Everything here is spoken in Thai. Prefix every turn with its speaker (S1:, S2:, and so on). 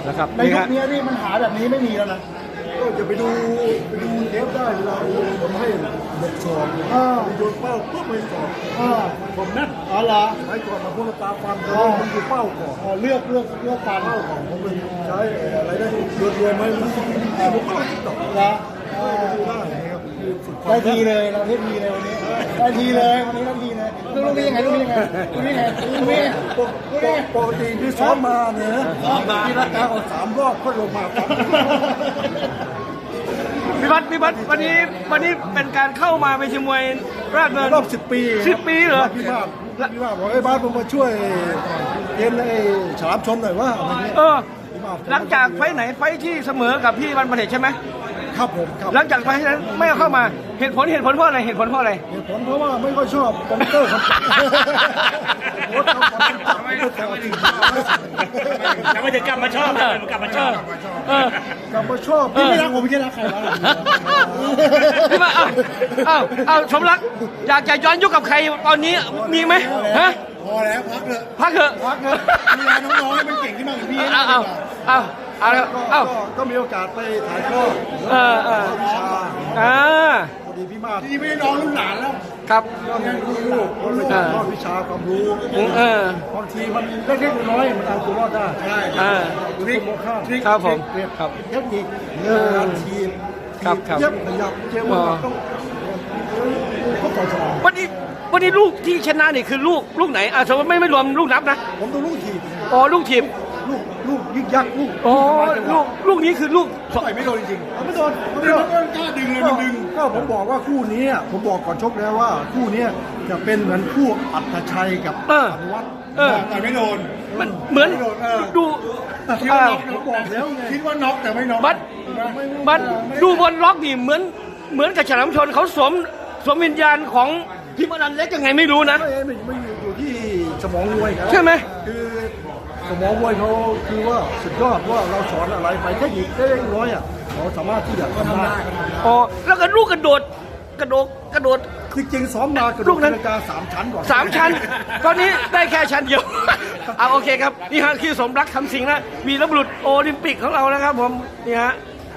S1: นะครับ
S2: ในยุคนี้นี่มันหาแบบนี้ไม่มีแล้วนะ
S3: ก็จะไปดูเทปได้เราทำให้เด็กสอบโยนเป้าปุ๊บไปสอบผมนั่น
S2: อ๋อเหรอ
S3: ใช้ก่อนมาพูดตาฟันแต่มันคือเป้าก่อน
S2: เลือกฟัน
S3: เป้าก่อนผมเป็นใช้อะไรได้รวมไหมมันผมก็ติดต่อ
S2: นะ
S3: ดูได้นะครับคือฝึกควา
S2: ได้
S3: ม
S2: ทีเลยเราได้ทีเลยวันนี้ได้ทีเลยวันนี้ได้ทีเลยลูกนี้ยังไงลูกนี้ยังไงลูกนี้ยังไงลูกนี้ยังไง
S3: ปกติที่ซ้อมมาเนี่ยนะที่รักษาเอา3 รอบก็ลงมาครับ
S1: พี่บัตวันนี้เป็นการเข้ามาเป็นชิมวยราชดำเนิน
S3: รอบ10 ปี
S1: 10 ปีเหรอ
S3: พี่บ้านบอกไอ้บ้านผมมาช่วยเกณฑ์ไอ้ฉลามชนหน่อยว่าอะไรเงี้ย
S1: หลังจากไฟไหนไฟที่เสมอกับพี่วันประเทศใช่ไหม
S3: ครับผมครับ
S1: หลังจากไฟนั้นไม่เอาเข้ามาเหตุผลเพราะอะไรเหตุผลเพราะอะไร
S3: เหตุผลเพราะว่าไม่ค่อยชอบคอมพิวเตอร์ครับโค้ชเขาความจับไม่ค่อยชอบจริง
S4: แล้วมันจะกลับมาชอบกลับมาชอบ
S3: กลับมาชอบ
S2: พี่ไม่รักผมไม่ใช่รักใครวะ
S1: พี่มาเอาสมรักอยากจะย้อนยุคกับใครตอนนี้มีไหมฮะ
S2: พอแล้วพักเถอะ
S1: พักเถอะ
S2: ดูแลน้องๆให้มันเก่งขึ้นมาเหมือนพี่
S3: ก็มีโอกาสไปถ่ายทอดวิชาพอดีพี่มาศ
S2: พี่ไม่ได้น้องรุ่นหลานแล้ว
S1: ครับ
S3: ก็มีลูกถ่ายทอดวิชาความรู้บางทีมันเล็กๆน้อยๆมันเอาตัวรอดได้
S2: ใช่
S3: ทริคโมฆะ
S1: ครับผม
S3: ครับ เทคนิคการทีม
S1: ครับ
S3: เย็บขยับเจ้าต้องเข้าใจสมอง
S1: วันนี้ลูกที่ชนะนี่คือลูกไหนสมมติไม่รวมลูกนับนะ
S3: ผมดูลูกทีม
S1: อ๋อลูกทีม
S3: ลูกยึกยักลูก
S1: อ๋อลูกนี้คือลูก
S3: ต่อยไม่โดนจริงๆไม่โดน
S2: มันกล้าดึงเลยมันดึง
S3: ก็ผมบอกว่าคู่นี้ผมบอกก่อนชกแล้วว่าคู่นี้จะเป็นเหมือนคู่อัตชัยกับอนุวัฒน์
S2: แต่ไม่โดน
S1: มันเหมือนดู
S3: ผมบอกแล้วไง
S2: คิดว่าน็อกแต่ไม่น็อก
S1: บัดดูบนล็อกนี่เหมือนกับฉลามชนเขาสวมวิญญาณของพิมพ์อนันต์เล็กยังไงไม่รู้นะ
S3: ไม่อยู่ที่สมองมวยครับ
S1: ใช่ไหม
S3: คือสมองมวยเขาคือว่าสุดยอดว่าเราสอนอะไรไปเทคนิคเล็กน้อยเขาสามารถที่จะทำได้
S1: อ๋อแล้วก็ลูกกระโดด
S3: จริงๆซ้อมมากระโด
S1: ลู
S3: ด
S1: กนั้น
S3: นาฬิกา3 ชั้นก่อน
S1: 3 ชั้น ตอนนี้ได้แค่ชั้นเดียว โอเคครับ นี่ฮะคือสมรักคำสิงห์นะวีรบุรุษโอลิมปิกของเรานะครับผมนี่ฮะ